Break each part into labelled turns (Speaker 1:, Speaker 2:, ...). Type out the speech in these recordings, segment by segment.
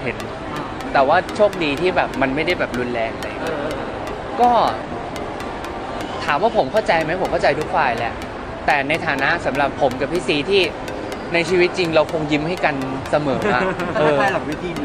Speaker 1: เห็นแต่ว่าโชคดีที่แบบมันไม่ได้แบบรุนแรงอะไรก็ถามว่าผมเข้าใจไหมผมเข้าใจทุกฝ่ายแหละแต่ในฐานะสำหรับผมกับพี่ซีที่ในชีวิตจริงเราคงยิ้มให้กันเสมออะ
Speaker 2: ใช่หลังเวที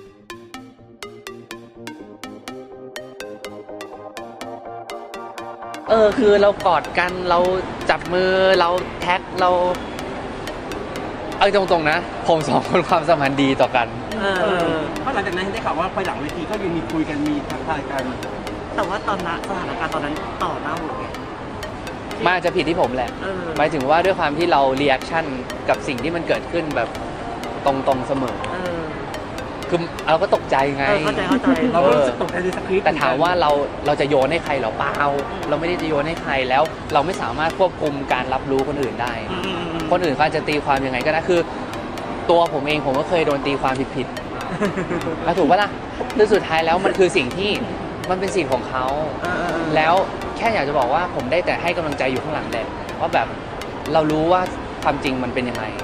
Speaker 1: คือเรากอดกันเราจับมือเราแท็กเราเอาตรงๆนะผมสองคนความสัมพันธ์ดีต่อกัน
Speaker 2: เพราะหลังจากนั้นได้ข่าวว่าไปหลังเวทีก็ยังมีคุยกันมีทักทายกัน
Speaker 3: แต่ว่าตอนนั้นสถานการณ์ตอนนั้นต่อหน้าหมดไง
Speaker 1: มันอาจจะผิดที่ผมแหละหมายถึงว่าด้วยความที่เราเรีแอคชั่นกับสิ่งที่มันเกิดขึ้นแบบตรงๆเสมอคือเราก็ตกใจไง
Speaker 3: เข้าใจ
Speaker 2: เราก็รู้สึกตกใจในสคริปต์
Speaker 1: แต่ถามว่าเราจะโยนให้ใครหรอเปล่าเราไม่ได้จะโยนให้ใครแล้วเราไม่สามารถควบคุมการรับรู้คนอื่นได้คนอื่นเขาจะตีความยังไงก็ได้คือตัวผมเองผมก็เคยโดนตีความผิดถูกปะล่ะคือสุดท้ายแล้วมันคือสิ่งที่มันเป็นสิทธิ์ของเขาแล้วแค่อยากจะบอกว่าผมได้แต่ให้กำลังใจอยู่ข้างหลังแหละว่าแบบเรารู้ว่าความจริงมันเป็นยังไง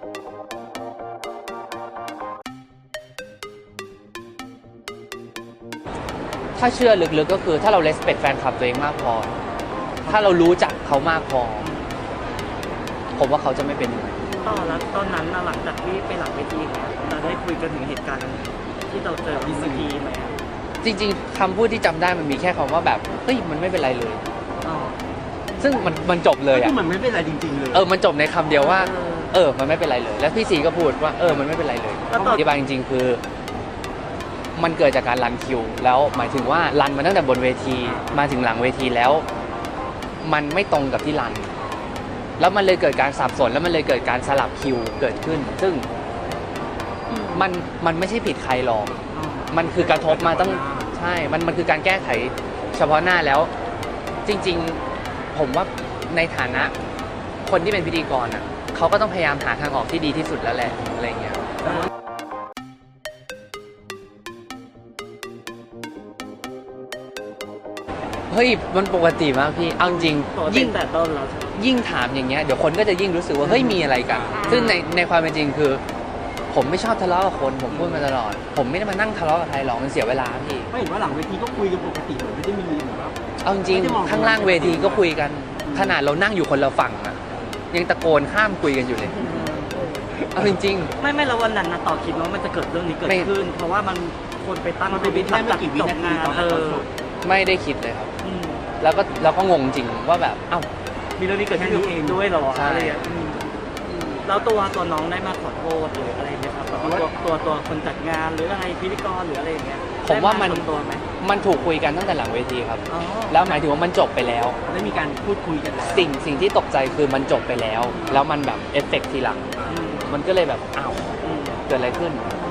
Speaker 1: ถ้าเชื่อลึกๆก็คือถ้าเรา respect แฟนคลับตัวเองมากพอถ้าเรารู้จักเขามากพอผมว่าเขาจะไม่เป็นยังไง
Speaker 3: ต่อแล้วตอนนั้นหลังจากที่ไปหลังเวทีเนี่ยเราได้คุยกันถึงเหตุการณ์ที่เราเจอที่เวทีไหม
Speaker 1: จริงๆคำพูดที่จำได้มันมีแค่คำว่าแบบเฮ้ยมันไม่เป็นไรเลยซึ่งมันจบเลยอ่ะ
Speaker 2: มันไม่เป็นไรจริงๆเลย
Speaker 1: มันจบในคำเดียวว่ามันไม่เป็นไรเลยแล้วพี่ซีก็พูดว่ามันไม่เป็นไรเลยอธิบายจริงๆคือมันเกิดจากการรันคิวแล้วหมายถึงว่ารันมาตั้งแต่บนเวทีมาถึงหลังเวทีแล้วมันไม่ตรงกับที่รันแล้วมันเลยเกิดการสับสนแล้วมันเลยเกิดการสลับคิวเกิดขึ้นซึ่งมันไม่ใช่ผิดใครหรอกมันคือกระทบมาตั้งใช่มันคือการแก้ไขเฉพาะหน้าแล้วจริงๆผมว่าในฐานะคนที่เป็นพิธีกรอ่ะเขาก็ต้องพยายามหาทางออกที่ดีที่สุดแล้วแหละอะไรเงี้ยเฮ้ยมันปกติมากพี่เอาจริง
Speaker 3: ยิ่งแต่ต้นแล้ว
Speaker 1: ยิ่งถามอย่างเงี้ยเดี๋ยวคนก็จะยิ่งรู้สึกว่าเฮ้ยมีอะไรกันซึ่งในความเป็นจริงคือผมไม่ชอบทะเลาะกับคนผมพูดมาตลอดผมไม่ได้มานั่งทะเลาะกับใครหรอกมันเสียเวลาพี่
Speaker 2: ไม่เห็นว่าหลังเวทีก็คุยกันปกติไม่ได้มีแบบ
Speaker 1: เอาจริงข้างล่างเวทีก็คุยกันขนาดเรานั่งอยู่คนละฝั่งอะยังตะโกนข้ามคุยกันอยู่เลยเอาจริง
Speaker 3: ไม่แล้ววันนั้นนะต่อคิดว่ามันจะเกิดเรื่องนี้เกิดขึ้นเพราะว่ามันคนไปตั้ง
Speaker 2: มันเป็นวิธีไม่กี่วินาทีตอน
Speaker 1: ไม่ได้คิดเลยครับแล้วก็งงจริงว่าแบบเอ้า
Speaker 3: มีเรื่องนี้เกิดขึ้นเองด้วยหรออะไรอย่างแล้วตัวน้องได้มาขอโทษหรืออะไรไหมครับตัวคนจัดงานหรืออะไรพิธีกรหรืออะไรอย่างเงี้ย
Speaker 1: ผมว่ามันถูกคุยกันตั้งแต่หลังเวทีครับแล้วหมายถึงว่ามันจบไปแล้ว
Speaker 2: ได้มีการพูดคุยกันแล้ว
Speaker 1: สิ่งที่ตกใจคือมันจบไปแล้วแล้วมันแบบเอฟเฟกต์ทีหลังมันก็เลยแบบอ้าวเกิดอะไรขึ้น